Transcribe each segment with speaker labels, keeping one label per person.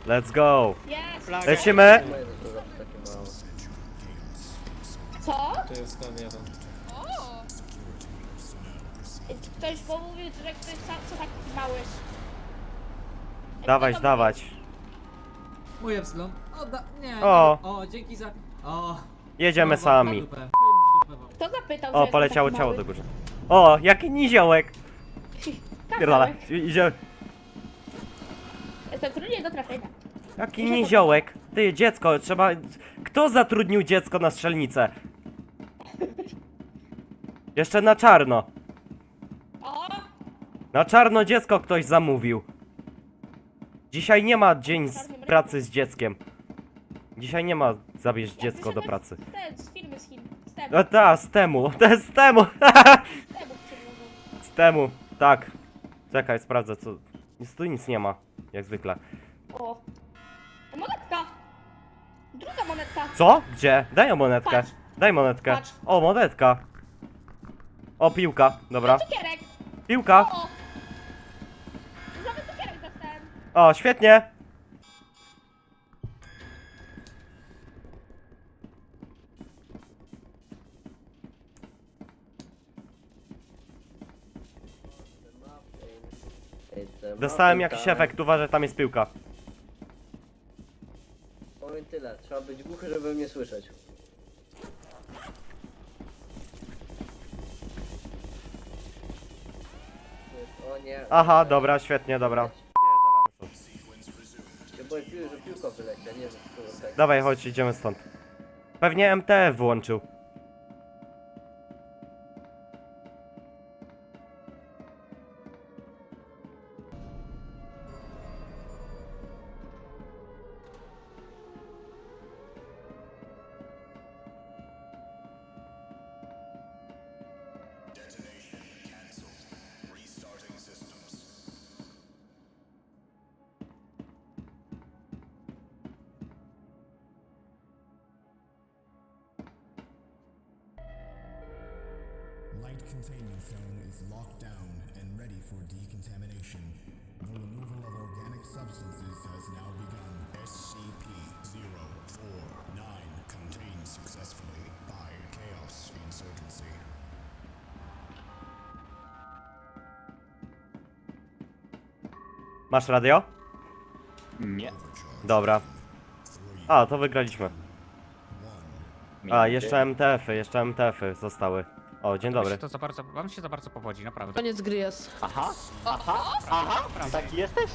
Speaker 1: Let's go.
Speaker 2: Jest!
Speaker 1: Lecimy.
Speaker 3: Moje zasługa to takie małe.
Speaker 2: Co?
Speaker 4: To jest ten jeden.
Speaker 5: O!
Speaker 2: Ktoś bo mówił, że ktoś sam co taki mały.
Speaker 1: Dawać,
Speaker 2: Kto to
Speaker 1: dawać.
Speaker 6: Mój Epsilon. O, nie,
Speaker 1: O.
Speaker 6: nie. O, dzięki za... O.
Speaker 1: Jedziemy
Speaker 6: No,
Speaker 1: sami.
Speaker 6: w dupę. Chuj w dupę wam.
Speaker 2: Kto zapytał, że
Speaker 1: O,
Speaker 2: jestem
Speaker 1: poleciało
Speaker 2: taki
Speaker 1: ciało
Speaker 2: mały?
Speaker 1: do góry. O, jaki niziołek. Pierdala,
Speaker 2: Kazałeś.
Speaker 1: idzie.
Speaker 2: Jestem trudnie do trafienia.
Speaker 1: Jaki niziołek. Ty, dziecko, trzeba... Kto zatrudnił dziecko na strzelnicę? Jeszcze na czarno.
Speaker 2: O!
Speaker 1: Na czarno dziecko ktoś zamówił. Dzisiaj nie ma dzień z pracy z dzieckiem. Dzisiaj nie ma zabierz dziecko do pracy.
Speaker 2: Ten z firmy z Chin. Z temu.
Speaker 1: No ta, z temu, to jest z temu.
Speaker 2: Z temu przywiozą.
Speaker 1: Z temu, tak. Czekaj, sprawdzę co... Tu nic nie ma, jak zwykle.
Speaker 2: O! Monetka! Druga monetka!
Speaker 1: Co? Gdzie? Daj o monetkę.
Speaker 2: Patrz.
Speaker 1: Daj monetkę.
Speaker 2: Patrz.
Speaker 1: O, monetka. O, piłka, dobra.
Speaker 2: Cukierek!
Speaker 1: Piłka.
Speaker 2: O! Nowy cukierek dostałem!
Speaker 1: O, świetnie. Dostałem jakiś efekt, uważaj, tam jest piłka.
Speaker 3: Powiem tyle, trzeba być głuchy, żeby mnie słyszeć. O nie.
Speaker 1: Aha, dobra, świetnie, dobra.
Speaker 3: Się boję, że piłka wyleci, a nie, że to tak.
Speaker 1: Dawaj, chodź, idziemy stąd. Pewnie MTF włączył.
Speaker 7: Light containment zone is locked down and ready for decontamination. The removal of organic substances has now begun. SCP-049 contained successfully by Chaos Insurgency.
Speaker 1: Masz radio?
Speaker 8: Nie.
Speaker 1: Dobra. A, to wygraliśmy. A, jeszcze MTF-y zostały. O, dzień dobry.
Speaker 8: Wam się za bardzo powodzi, naprawdę.
Speaker 5: Koniec gry jest.
Speaker 8: Aha, taki jesteś?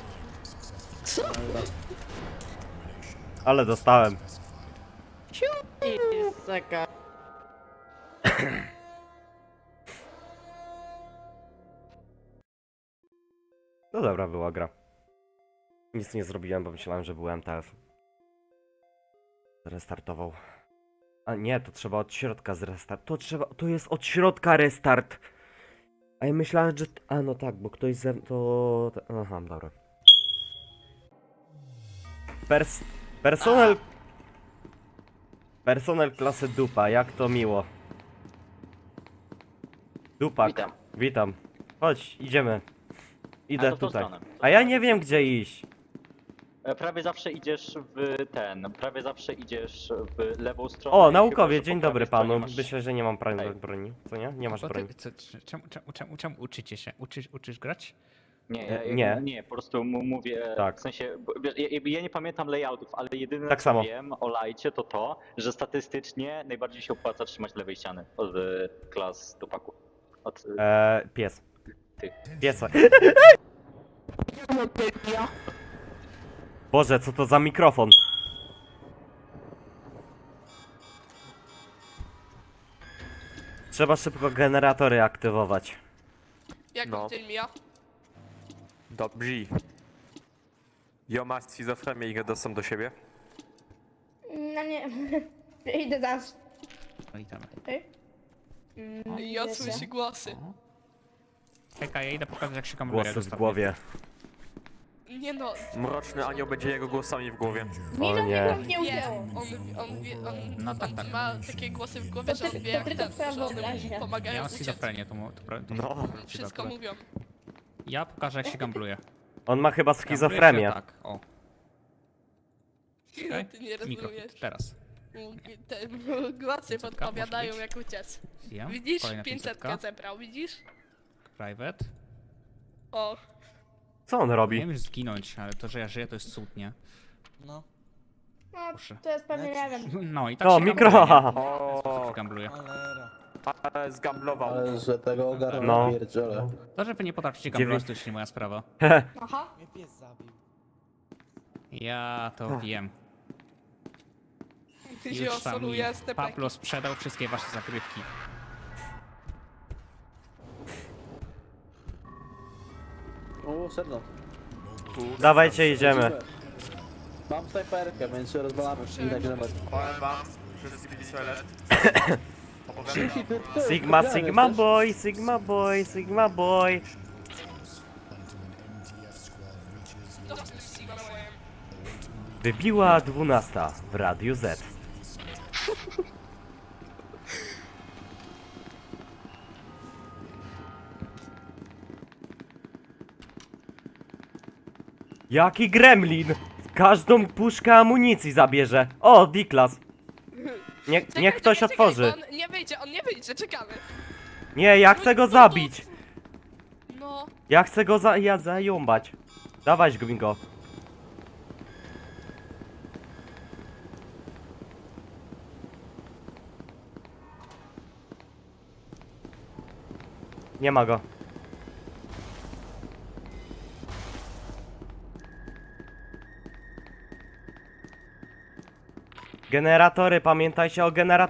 Speaker 1: Ale dostałem. No dobra, była gra. Nic nie zrobiłem, bo myślałem, że był MTF. Restartował. A nie, to trzeba od środka zrestart. To jest od środka restart. A ja myślałem, że... A no tak, bo ktoś to... Aha, dobra. Personel... Personel klasy dupa, jak to miło. Dupak.
Speaker 8: Witam.
Speaker 1: Witam. Chodź, idziemy. Idę
Speaker 8: to w tą
Speaker 1: tutaj.
Speaker 8: stronę.
Speaker 1: A ja nie wiem gdzie iść.
Speaker 8: Prawie zawsze idziesz prawie zawsze idziesz w lewą stronę.
Speaker 1: O,
Speaker 8: i
Speaker 1: naukowie,
Speaker 8: chyba, że
Speaker 1: dzień
Speaker 8: po
Speaker 1: dobry
Speaker 8: prawej
Speaker 1: panu.
Speaker 8: stronie masz-
Speaker 1: Myślę, że nie mam
Speaker 8: Hej.
Speaker 1: broni. Co nie? Nie masz broni.
Speaker 9: Czemu uczycie się? Uczysz grać?
Speaker 8: Nie, po prostu mówię,
Speaker 1: Tak.
Speaker 8: w sensie, wiesz, ja nie pamiętam layoutów, ale jedyne
Speaker 1: Tak
Speaker 8: co
Speaker 1: samo.
Speaker 8: wiem o lajcie to, że statystycznie najbardziej się opłaca trzymać lewej ściany od klas dupaku. Od,
Speaker 1: Pies.
Speaker 8: Ty.
Speaker 1: Piesa. Boże, co to za mikrofon? Trzeba szybko generatory aktywować.
Speaker 5: Jak
Speaker 10: No.
Speaker 5: dzień mija?
Speaker 10: Dobrze. Jo, masz schizofrenię i go dostęp do siebie?
Speaker 2: No nie. Idę zaraz.
Speaker 9: No i tam.
Speaker 5: Ja słyszę głosy.
Speaker 9: Czekaj, ja idę pokazać jak się kamuluje.
Speaker 1: Głosy w głowie.
Speaker 5: Nie no,
Speaker 10: Mroczny anioł będzie jego głosami w głowie.
Speaker 2: Mi
Speaker 1: O
Speaker 2: to
Speaker 1: nie.
Speaker 2: nie
Speaker 5: wie,
Speaker 2: udziało.
Speaker 9: No tak, tak.
Speaker 5: ma takie głosy w głowie, że on wie jak
Speaker 2: tylko
Speaker 5: ten,
Speaker 2: twoja
Speaker 5: że one
Speaker 2: wyobraźnia.
Speaker 5: mu pomagają
Speaker 9: Ja mam
Speaker 5: uciec.
Speaker 9: schizofrenię, to
Speaker 10: No.
Speaker 5: Wszystko mówią.
Speaker 9: Ja pokażę jak się gambluje.
Speaker 1: On ma chyba
Speaker 9: Gambluje się
Speaker 1: schizofrenię.
Speaker 9: tak, o. Okej?
Speaker 5: Ty nie
Speaker 9: Mikrofon,
Speaker 5: rozumiesz.
Speaker 9: teraz.
Speaker 5: Te głosy
Speaker 9: 500
Speaker 5: podpowiadają
Speaker 9: może
Speaker 5: jak uciec.
Speaker 9: Zjem.
Speaker 5: Widzisz?
Speaker 9: Kolejna
Speaker 5: 500
Speaker 9: 500.
Speaker 5: zebrał, widzisz?
Speaker 9: Private.
Speaker 5: O,
Speaker 1: Co on
Speaker 9: Nie
Speaker 1: robi?
Speaker 9: wiem już zginąć, ale to, że ja żyję, to jest cud, nie?
Speaker 6: No,
Speaker 2: No,
Speaker 9: Proszę.
Speaker 2: to jest pewnie, nie wiem.
Speaker 9: No i tak
Speaker 1: O,
Speaker 9: się
Speaker 1: mikro!
Speaker 9: gambluje.
Speaker 6: cholera.
Speaker 10: Ale zgamblował.
Speaker 3: Ale że tego ogarnę
Speaker 1: No.
Speaker 3: pierdziele.
Speaker 9: To, że wy nie potraficie gamblować, to już nie moja sprawa.
Speaker 2: Aha.
Speaker 6: Mnie pies zabił.
Speaker 9: Ja to wiem.
Speaker 5: ty się
Speaker 9: Już tam mi
Speaker 5: osoluje z tepeki.
Speaker 9: Pablo sprzedał wszystkie wasze zagrywki.
Speaker 3: O, sedno.
Speaker 1: Dawajcie, idziemy.
Speaker 3: Mam snajperkę, więc się rozwalamy. I tak dalej.
Speaker 10: Powiem wam, że zbiliśmy toilet.
Speaker 1: Sigma, Sigma boy, Sigma boy, Sigma boy. Wybiła 12 w Radiu Z. Jaki gremlin! Każdą puszkę amunicji zabierze. O, D-Class. Niech ktoś otworzy.
Speaker 5: On nie wyjdzie, czekamy.
Speaker 1: Nie, ja chcę go zabić.
Speaker 5: No,
Speaker 1: Ja chcę go zająbać. Dawać go. Nie ma go. Generatory, pamiętajcie o generatorach.